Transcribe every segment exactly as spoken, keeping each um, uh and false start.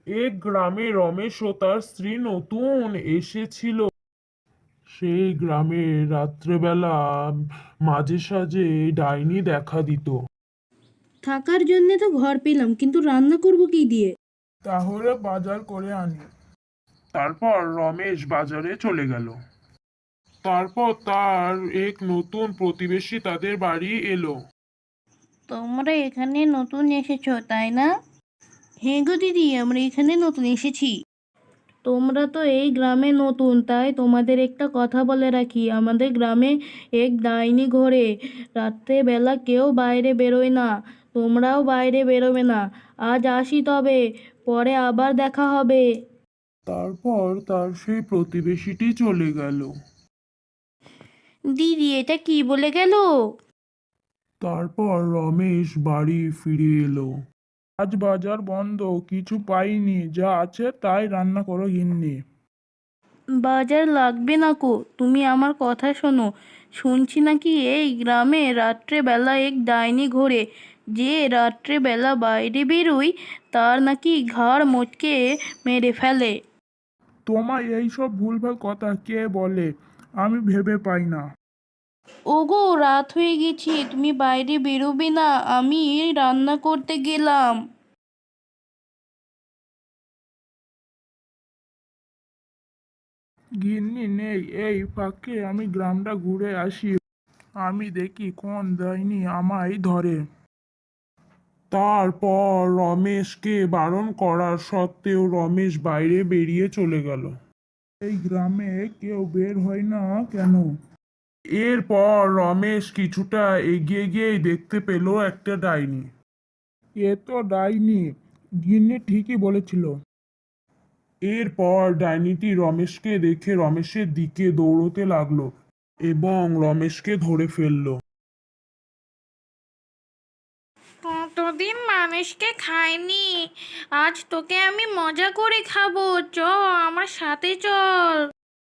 এক গ্রামে রমেশ ও তার স্ত্রী নতুন এসেছিল। সেই গ্রামে রাত্রেবেলা মাঝে সাঝে ডাইনি দেখা দিত। থাকার জন্য তো ঘর পেলাম, কিন্তু রান্না করব কি দিয়ে? তাহলে বাজার করে আনি। তারপর রমেশ বাজারে চলে গেল। তারপর তার এক নতুন প্রতিবেশী তাদের বাড়ি এলো। তোমরা এখানে নতুন এসেছো তাই না? হ্যাঁ গো দিদি, আমরা এখানে নতুন এসেছি। তোমরা তো এই গ্রামে নতুন, তাই তোমাদের একটা কথা বলে রাখি, আমাদের গ্রামে এক ডাইনি ঘোরে। রাত্রেবেলা কেউ বাইরে বেরোয় না, তোমরাও বাইরে বেরোবে না। আজ আসি তবে, পরে আবার দেখা হবে। তারপর তার সেই প্রতিবেশীটি চলে গেল। দিদি, এটা কি বলে গেল? তারপর রমেশ বাড়ি ফিরে এলো। আজ বাজার বন্ধ, কিছু পাইনি, যা আছে তাই রান্না করো গিন্নি। বাজার লাগবে না কো, তুমি আমার কথা শোনো। শুনছি নাকি এই গ্রামে রাত্রেবেলা এক ডাইনি ঘোরে। যে রাত্রেবেলা বাইরে বেরোয় তার নাকি ঘাড় মটকে মেরে ফেলে। তোমায় এইসব ভুলভাল কথা কে বলে? আমি ভেবে পাই না। ওগো, রাত হয়ে গেছে, তুমি বাইরে বেরোবে না, আমি রান্না করতে গেলাম। গিন্নি নেই, এই ফাঁকে আমি গ্রামটা ঘুরে আসি। আমি দেখি কোন ডাইনি আমায় ধরে। তারপর রমেশকে বারণ করার সত্ত্বেও রমেশ বাইরে বেরিয়ে চলে গেল। এই গ্রামে কেউ বের হয় না কেন? এরপর রমেশ কিছুটা এগিয়ে গিয়েই দেখতে পেল একটা ডাইনি। এ তো ডাইনি, গিন্নি ঠিকই বলেছিল। এরপর ডাইনিটি রমেশকে দেখে রমেশের দিকে দৌড়তে লাগলো এবং রমেশকে ধরে ফেললো। কতদিন মানুষকে খাইনি, আজ তোকে আমি মজা করে খাবো, চ আমার সাথে চল।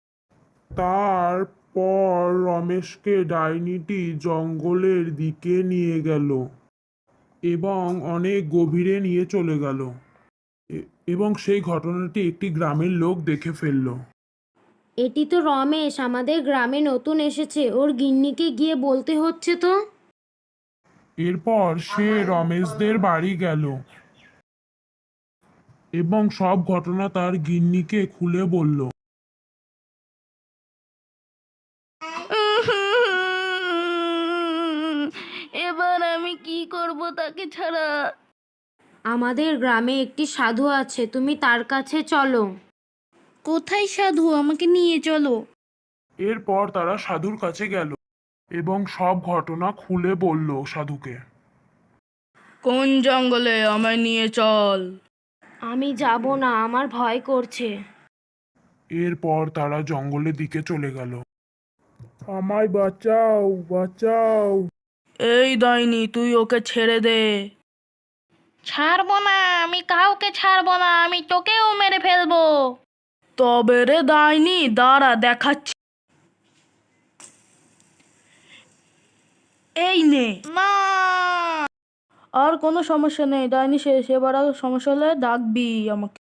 তারপর রমেশকে ডাইনিটি জঙ্গলের দিকে নিয়ে গেল এবং অনেক গভীরে নিয়ে চলে গেল। এ- এবং সেই ঘটনাটি একটি গ্রামের লোক দেখে ফেলল। এটি তো রমেশ, আমাদের গ্রামে নতুন এসেছে, ওর গিন্নিকে গিয়ে বলতে হচ্ছে তো। এরপর সে রমেশদের বাড়ি গেল এবং সব ঘটনা তার গিন্নিকে খুলে বলল। এবার আমি কি করব তাকে ছাড়া? আমাদের গ্রামে একটি সাধু আছে, তুমি তার কাছে চলো। কোথায় সাধু, আমাকে নিয়ে চলো। এরপর তারা সাধুর কাছে গেল এবং সব ঘটনা খুলে বলল সাধুকে। কোন জঙ্গলে, আমায় নিয়ে চল। আমি যাব না, আমার ভয় করছে। এরপর তারা জঙ্গলের দিকে চলে গেল। আমায় বাঁচাও, বাঁচাও। এই ডাইনি, তুই ওকে ছেড়ে দে। ছাড়বো না, আমি কাউকে ছাড়বো না, আমি তোকেও মেরে ফেলবো। তবে রে ডাইনি, দাঁড়া দেখাচ্ছি। এই নে না। আর কোনো সমস্যা নেই ডাইনি শেষ, এবার আর সমস্যা হলে ডাকবি আমাকে।